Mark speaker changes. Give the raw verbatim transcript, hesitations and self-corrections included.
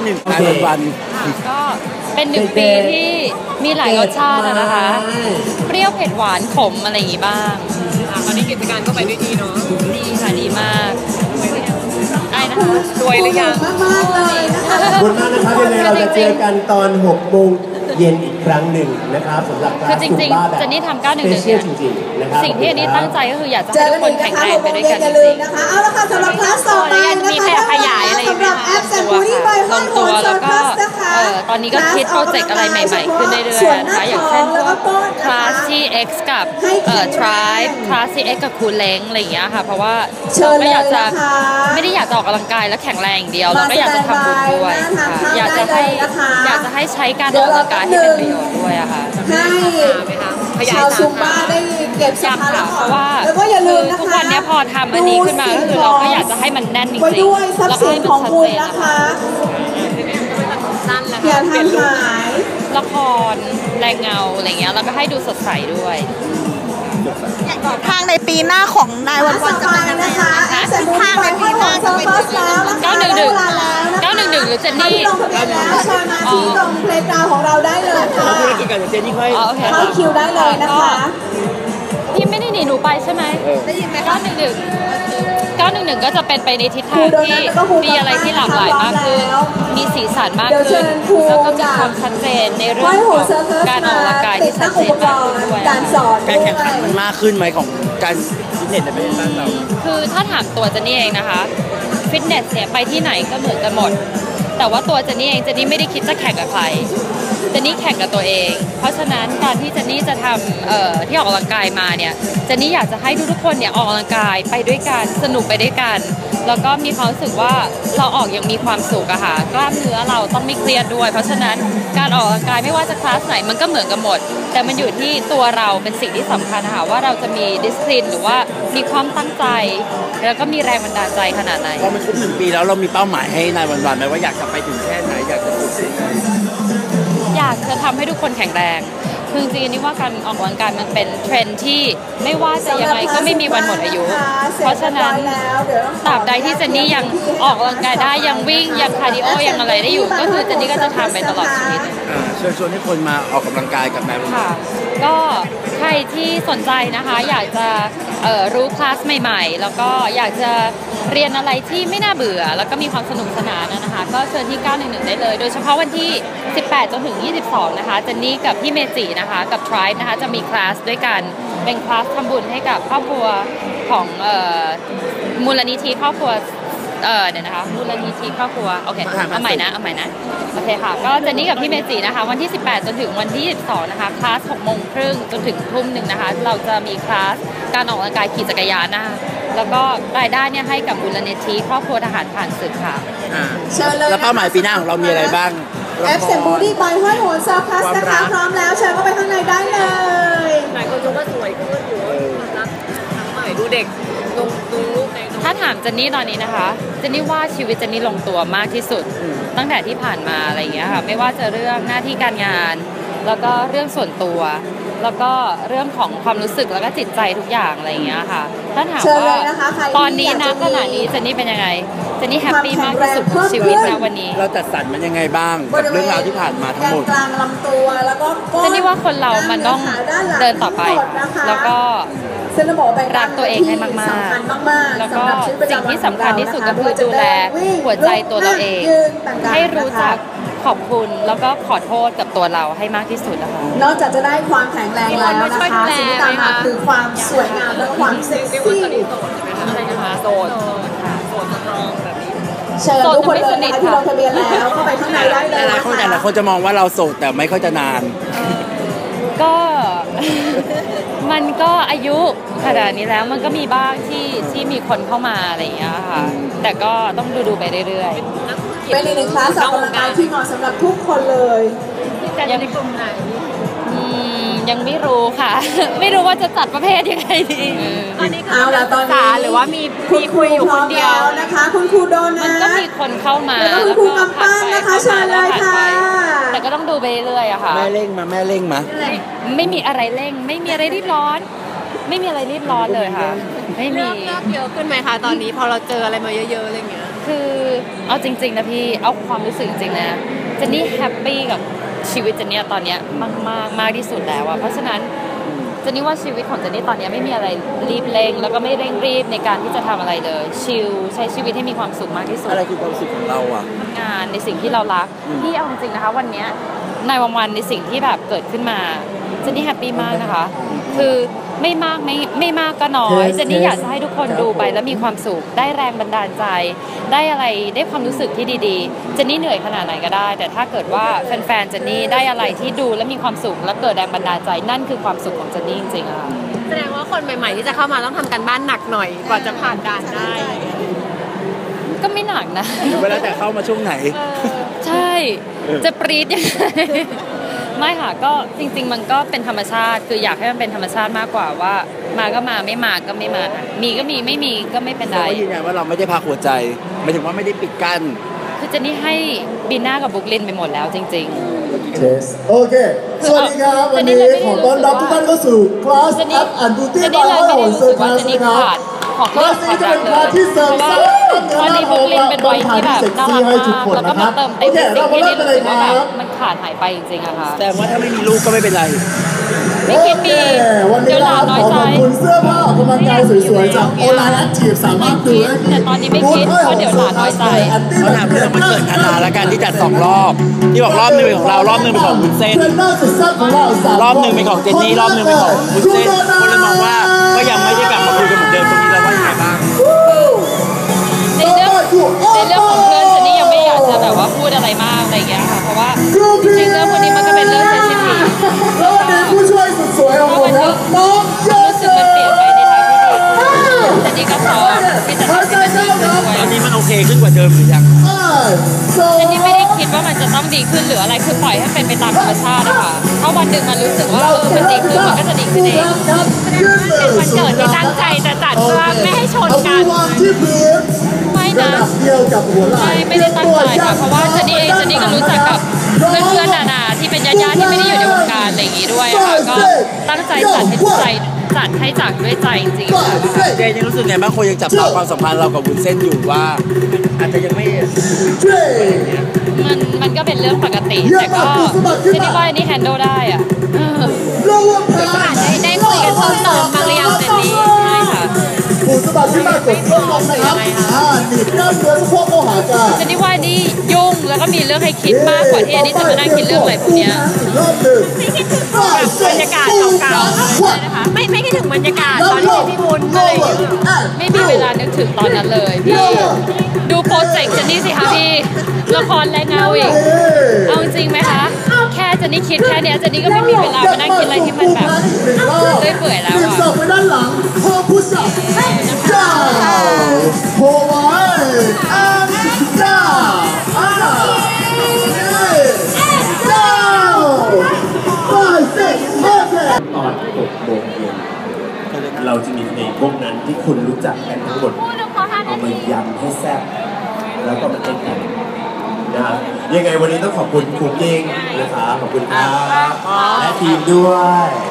Speaker 1: หนึ่งนายวันวัน
Speaker 2: ก็เป็นหนึ่งปีที่มีหลายรสชาตินะคะเปรี้ยวเผ็ดหวานขมอะไรอย่างงี้บ้าง
Speaker 3: ตอนนี้กิจการก็ไปด้วยดีเนาะ
Speaker 2: ดีค่ะดีมากไอ้นะคะ
Speaker 3: รวยหรือยัง
Speaker 4: มากๆเลยนะคะขอบคุณมากนะครับยังไงเราจะเจอกันตอนหกโมงเย็นอีกครั้งหนึ่งนะครับสำหรับ
Speaker 2: คือจริงๆจะนี่ทำเก้าหนึ่งหนึ่งเนี่ยสิ่งที่อันนี้ตั้งใจก็คืออยากจะให้ทุกคนแข็งแรงไปด้วยกันจริงๆ
Speaker 4: นะคะเอาละค่ะสำหรับคลาสต่อไปนะคะ
Speaker 2: มีขยับขยายอะไรอย่างเงี้ยลงตัวแล้วก็ตอนนี้ก็คิดโปรเจกต์อะไรใหม่ๆขึ้นเรื่อยๆนะคะอย่างเช่นพวกคลาสที่ X กับเอ่อ Tribe คลาสที่ X กับคูเล้งอะไรอย่างเงี้ยค่ะเพราะว่าเราก็อยากจะไม่ได้อยากจะออกกำลังกายและแข็งแรงอย่างเดียวเราก็อยากจะทำบุญด้วยอยากจะให้อยากจะให้ใช้การออกกำลังกายให้เป็นประโยชน์ด้วยอะค่ะ
Speaker 4: ให้ชาวซุมบ้าได้เก็บสัมภาระเพราะว่าแล้วก็อย่าลืมนะคะ
Speaker 2: ทุกวันนี้พอทำอันนี้ขึ้นมาก็คือเราก็อยากจะให้มันแน่นจริงๆแล้วก็ให้มันชัดเจนนะคะ
Speaker 4: อย่าทำหาย
Speaker 2: ละครแรงเงาอะไรเงี้ยแล้วก็ให้ดูสดใสด้วย
Speaker 5: ทางในปีหน้าของนายวันวันจะเป็นยังไงนะคะทางในปีหน้าจะเป็น
Speaker 2: เก้าหนึ่งหนึ่งเก้าหนึ่งหนึ่งหรือเจนนี่
Speaker 4: อ๋อที่ตรงเพลย์กราวของเราได้เลยค่ะ
Speaker 1: เจนนี่ค่อย
Speaker 4: เข้าคิวได้เลยนะคะ
Speaker 2: พี่ไม่ได้หนีหนูไปใช่ไหมได้ยินไหมเก้าหนึ่งหนึ่งเก้าหนึ่งหนึ่งก็จะเป็นไปในทิศทางที่มีอะไรที่หลากหลายมากขึ้นมีสีสันมากขึ้นแล้วก็มีความชัดเจนในเรื่องของการออกกำลังกายที่ชัดเจนมากขึ้นด้วย
Speaker 4: การสอน
Speaker 1: การแข่งขันมันมากขึ้นไหมของการฟิตเนสในประเทศเรา
Speaker 2: คือถ้าถามตัวเจนนี่เองนะคะฟิตเนสเนี่ยไปที่ไหนก็เหมือนกันหมดแต่ว่าตัวเจนนี่เองเจนนี่ไม่ได้คิดจะแข่งกับใครเจนนี่แข่งกับตัวเองเพราะฉะนั้นการที่เจนนี่จะทำเอ่อที่ออกกำลังกายมาเนี่ยเจนนี่อยากจะให้ทุกๆคนเนี่ยออกกำลังกายไปด้วยกันสนุกไปด้วยกันแล้วก็มีความรู้สึกว่าเราออกอย่างมีความสุขอะค่ะกล้ามเนื้อเราต้องไม่เครียดด้วยเพราะฉะนั้นการออกกำลังกายไม่ว่าจะคลาสไหนมันก็เหมือนกันหมดแต่มันอยู่ที่ตัวเราเป็นสิ่งที่สำคัญค่ะว่าเราจะมีดิสซิปลินหรือว่ามีความตั้งใจแล้วก็มีแรงบันดาลใจขนาดไหน
Speaker 1: พอมันครบหนึ่งปีแล้วเรามีเป้าหมายให้นายวันๆไหมว่าอยากจะไปถึงแค่ไหนอยากจะสุดที่ไหน
Speaker 2: อยากจะทำให้ทุกคนแข็งแรงคือจริงๆนี่ว่าการออกกำลังกายมันเป็นเทรนด์ที่ไม่ว่าจะยังไงก็ไม่มีวันหมดอายุเพราะฉะนั้นตราบใดที่เจนนี่ยังออกกำลังกายได้ยังวิ่งยังคาร์ดิโอยังอะไรได้อยู่ก็คือเจนนี่ก็จะทำไปตลอดชีวิต
Speaker 1: เชิญชวนให้คนมาออกกำลังกายกับนายวัน
Speaker 2: ค่ะก็ใครที่สนใจนะคะอยากจะรู้คลาสใหม่ๆแล้วก็อยากจะเรียนอะไรที่ไม่น่าเบื่อแล้วก็มีความสนุกสนานนะคะก็เชิญที่เก้าหนึ่งหนึ่งได้เลยโดยเฉพาะวันที่สิบแปดจนถึงยี่สิบสองนะคะเจนนี่กับพี่เมจินะคะกับ Tribe นะคะจะมีคลาสด้วยกันเป็นคลาสทำบุญให้กับครอบครัวของมูลนิธิครอบครัวเออเดี๋ยวนะคะมูลนิธิครอบครัวโอเคเอาใหม่นะเอาใหม่นะโอเคค่ะก็เจนนี่กับพี่เมจินะคะวันที่สิบแปดจนถึงวันที่ยี่สิบสองนะคะคลาสหกโมงครึ่งจนถึงทุ่มหนึ่งนะคะเราจะมีคลาสการออกกำลังกายขี่จักรยานนะคะแล้วก็รายได้เนี่ยให้กับมูลนิธิครอบครัวทหารผ่านศึกค่ะ
Speaker 1: แล้วเป้าหมายปีหน้าของเรามีอะไรบ้าง
Speaker 4: แอปเซนบูดี้บายห้อยโหนซอฟพลัสนะคะพร้อมแล้วเชิญเข้าไปข้างในได้เลย
Speaker 3: หลายคนชมว่าสวยขึ้นอยู่รักทั้งใหม่ดูเด็กลงดูรูปใน
Speaker 2: ถ้าถามเจนนี่ตอนนี้นะคะเจนนี่ว่าชีวิตเจนนี่ลงตัวมากที่สุดตั้งแต่ที่ผ่านมาอะไรอย่างเงี้ยค่ะไม่ว่าจะเรื่องหน้าที่การงานแล้วก็เรื่องส่วนตัวแล้วก็เรื่องของความรู้สึกแล้วก็จิตใจทุกอย่างอะไรอย่างเงี้ยค่ะถ้าถามว่าตอนนี้นะขณะนี้เจนนี่เป็นยังไงเจนนี่แฮปปี้มากที่สุดของชีวิตนะวันนี้
Speaker 1: เราจัดสรรมันยังไงบ้างกับเรื่องราวที่ผ่านมาทั้งหมด
Speaker 4: กลางลำตัวแล้วก็
Speaker 2: เจนนี่ว่าคนเรามันต้องเดินต่อไปแล้วก็รักตัวเองให้มากๆแล้วก็สิ่งที่สำคัญที่สุดก็คือดูแลหัวใจตัวเราเองให้รู้จักขอบคุณแล้วก็ขอโทษกับตัวเราให้มากที่สุดนะคะ
Speaker 4: นอกจากจะได้ความแข็งแรงแล้วนะคะสิ่งที่ตามมาคือความสวยงามและความเซ็กซี่
Speaker 2: อะไรนะคะโสด
Speaker 3: โสดสตรองแบบนี้
Speaker 4: เชิญทุกคนเลยนะคะที่ลงทะเบียนแล้วเข้าไปข้างในได้เลย
Speaker 1: หลายคนแต่หลายคนจะมองว่าเราโสดแต่ไม่ค่อยจะนาน
Speaker 2: ก็มันก็อายุขนาดนี้แล้วมันก็มีบ้างที่ที่มีคนเข้ามาอะไรอย่างเงี้ยค่ะแต่ก็ต้องดูดูไปเรื่อย
Speaker 4: ๆเป็นในคลาสออกกำลังกายที่เหมาะสำหรับทุกคนเลย
Speaker 3: ยังในกลุ่มไหน
Speaker 2: ยังไม่รู้ค่ะไม่รู้ว่าจะจัดประเภทยังไงดี
Speaker 3: ตอนนี้เอาละตอนนี้หรือว่ามีมีคุยอยู่คนเดียว
Speaker 4: นะคะคุณครูโดนนะ
Speaker 2: มันก็มีคนเข้ามา
Speaker 4: แล้วก็คุณครูกำปั้นนะคะเชิญเลยค่ะ
Speaker 2: แต่ก็ต้องดูไปเรื่อยอะค่ะ
Speaker 1: แม่เร่งมาแม่เร่งมา
Speaker 2: ไม่มีอะไรเร่งไม่มีอะไรรีบร้อนไม่มีอะไรรีบร้อนเลยค่ะไม่มี
Speaker 3: เลือกเยอะขึ้นไหมคะตอนนี้พอเราเจออะไรมาเยอะๆอะไรเงี้ย
Speaker 2: คือเอาจริงๆนะพี่เอาความรู้สึกจริงๆนะเจนนี่แฮปปี้กับชีวิตเจนนี่ตอนเนี้ยมากมากมากที่สุดแล้วอะเพราะฉะนั้นเจนนี่ว่าชีวิตของเจนนี่ตอนนี้ไม่มีอะไรรีบเร่งแล้วก็ไม่เร่งรีบในการที่จะทำอะไรเลยชิลใช้ชีวิตให้มีความสุขมากที่สุด
Speaker 1: อะไรคือความสุขของเราอ่ะ
Speaker 2: ทำงานในสิ่งที่เรารักที่เอาจริงๆนะคะวันเนี้ยในวันวันในสิ่งที่แบบเกิดขึ้นมาเจนนี่แฮปปี้มากนะคะคือไม่มากไม่ไม่มากก็น้อยเจนนี่อยากจะให้ทุกคนดูไปแล้วมีความสุขได้แรงบันดาลใจได้อะไรได้ความรู้สึกที่ดีๆเจนนี่เหนื่อยขนาดไหนก็ได้แต่ถ้าเกิดว่าแฟนๆเจนนี่ได้อะไรที่ดูแล้วมีความสุขและเกิดแรงบันดาลใจนั่นคือความสุขของเจนนี่จริงๆอะค่ะ
Speaker 3: แสดงว่าคนใหม่ๆที่จะเข้ามาต้องทำการบ้านหนักหน่อยกว่าจะผ่านด่านได้
Speaker 2: ก็ไม่หนักนะ
Speaker 1: เวลาแต่เข้ามาช่วงไหน
Speaker 2: ใช่จะปรี๊ดยังไงไม่ค่ะก็จริงๆมันก็เป็นธรรมชาติคืออยากให้มันเป็นธรรมชาติมากกว่าว่ามาก็มาไม่มาก็ไม่มามีก็มีไม่มีก็ไม่เป็นไร
Speaker 1: เราก็ยืนยันว่าเราไม่ได้พักหัวใจหมายถึงว่าไม่ได้ปิดกั้น
Speaker 2: คือเจนนี่ให้บีน่ากับบุ๊กลินไปหมดแล้วจริง
Speaker 4: เทสโอเค สวัสดีครับ วันนี้ขอต้อนรับทุกท่านเข้าสู่คลาส
Speaker 2: ๆเจนนี่
Speaker 4: App and Beauty
Speaker 2: เจนนี่
Speaker 4: by
Speaker 2: เลยไม่ได้
Speaker 4: Hao
Speaker 2: รู้
Speaker 4: Ser
Speaker 2: สึกว่า
Speaker 4: Class
Speaker 2: เจนนี่
Speaker 4: นะครับ
Speaker 2: ขาดของ
Speaker 4: คลาสนี้จะเป็นคลาสที่เสริมสร้าง
Speaker 2: ตอนนี้บุ๊กลินเป็นวัยที่แบบน่ารัก
Speaker 4: ให้ทุก
Speaker 2: มาก
Speaker 4: คน
Speaker 2: แล้วก็
Speaker 4: นะค
Speaker 2: มา
Speaker 4: รับ
Speaker 2: เติม
Speaker 4: โอ
Speaker 2: เต็ม
Speaker 4: เค
Speaker 2: สิ่
Speaker 4: เรา
Speaker 2: ง
Speaker 4: มา
Speaker 2: ที่
Speaker 4: เริ่
Speaker 2: นี่
Speaker 4: มกัน
Speaker 2: รู้
Speaker 4: เล
Speaker 2: สึ
Speaker 4: ย
Speaker 2: ก
Speaker 4: ค
Speaker 2: ว่าแบ
Speaker 4: รั
Speaker 2: บบ มันขาดหายไปจริงๆอะค่ะ
Speaker 1: แต่ว่าถ้าไม่มีลูกก็ไม่เป็นไร
Speaker 2: ไม่คิดมี
Speaker 4: โอเควัน
Speaker 2: เดี๋
Speaker 4: นี้
Speaker 2: ยวห
Speaker 4: นะ
Speaker 2: ลา
Speaker 4: คน รับ
Speaker 2: น้อยใจ
Speaker 4: ขอขอบคุณเสื้อผ้าออกกำลังกายสวยๆจากโอไลน์แอคทีฟสามารถดูได้ที่
Speaker 2: แต่ตอนนี้ไม่คิดเพราะเดี๋ยวหลานน้อยใจ
Speaker 1: เขาถามเรื่องมันเกิดธนาและการที่จัดสองรอบที่บอกรอบหนึงเป็นของเรารอบหนึงเป็นของวุ้นเส้น
Speaker 4: เทรนเนอร์สุดแซ่บของเราสาม
Speaker 1: รอบหนึ่งเป็นของเจนนี่รอบหนึ่งเป็นของวุ้นเส้นคนเลยมองว่าก็ยังไม่ได้กลับมาคุยกันเหมือนเดิมตรงนี้เราว่ายังไงบ้าง
Speaker 2: ในเรื่องในเรื่องของเพื่อนเจนนี่ยังไม่อยากจะแบบว่าพูดอะไรมากอะไรอย่างเงี้ยค่ะเพราะว่าจริงๆเรื่องพวกนี้มันก็เป็นเรื่องเซนซิทีฟ
Speaker 4: แล้ววันนี้ผู้ช่วยสุดสวยของผมครับน้องเย
Speaker 2: รู้สึกมันเปลี่ยนไปในทางที่ดีขึ้นเจนนี่ก็พร้อมที่จะทำให้มันดีขึ้นด้วย
Speaker 1: ตอนนี้มันโอเคขึ้นกว่าเดิมหรือยัง
Speaker 2: เจนนี่ไม่ได้คิดว่ามันจะต้องดีขึ้นหรืออะไรคือปล่อยให้เป็นไปตามธรรมชาตินะคะถ้าวันหนึ่งมันรู้สึกว่าเออมันดีขึ้นมันก็จะดีขึ้นเอง
Speaker 3: เป็นวันเกิดที่ตั้งใจจะจัดเพื่อไม่ให้ชนกัน
Speaker 4: เอามือวางที่พื้น
Speaker 2: ไม่
Speaker 4: ระ
Speaker 2: นะ
Speaker 4: ดับเดียวกับหัวไหล่
Speaker 2: ไม่ไม่ได้ตั้งใจค่ะเพราะว่าเจนนี่เองเจนนี่ก็รู้จักกับเพื่อนๆนานาที่เป็นญาติๆที่ไม่ได้อยู่ในวงการอะไรอย่างงี้ด้วยอะค่ะก็ตั้งใจจัดให้ใจจัดให้จากด้วยใจจริงๆค่ะ
Speaker 1: เจนยังรู้สึกไงบ้างคนยังจับตาความสัมพันธ์เรากับวุ้นเส้นอยู่ว่าอาจจะยังไม่
Speaker 2: มันมันก็เป็นเรื่องปกติแต่ก็เจนนี่ว่าอันนี่แฮนด์ลได้อะเออ
Speaker 3: ได้ได้คุยกันเพิ่มเติมบ้างหรือยังเจนนี่
Speaker 2: ใช่ค่ะ
Speaker 4: ผู้สมัครที่มากดเครื่องลงนะครับอ่าหนีบกล้ามเนื้อสะโพกเข้าหากัน
Speaker 2: เจนนี่ว่าอันนี่ยุ่งแล้วก็มีเรื่องให้คิดมากกว่าที่อันนี้จะมานั่งคิดเรื่องอะไรพวกเนี้ย
Speaker 4: รอบหนึ่ง
Speaker 3: บรรยากาศเก่าๆนะคะไม่ไม่คิดถึงบรรยากาศตอนที่พี่บุญอะไรอย่างเงี้ย
Speaker 2: ไม่มีเวลานึกถึงตอนนั้นเลยพี่ดูโปรเจกต์เจนนี่สิคะพี่ละครแรงเงาอีกเอาจริงไหมคะแค่เจนนี่คิดแค่เนี้ยเจนนี่ก็ไม่มีเวลามานั่งคิดอะไรที่มันแบบเรื่อยเปื่อยแล้ว
Speaker 4: หนึ่ง
Speaker 2: อะ
Speaker 4: ศอกไปด้านหลังโฮพุชอัพดาวโฮไว้อันดาวอ่าดาวไฟเซ็กโอเคตอนหกโมงเย็นเราจะมีเพลงพวกนั้นที่คุณรู้จักกันทั้งหมดเอามายำให้แซ่บแล้วก็มาเต้นกันนะยังไงวันนี้ต้องขอบคุณคุณยิงนะคะขอบคุณครับและทีมด้วย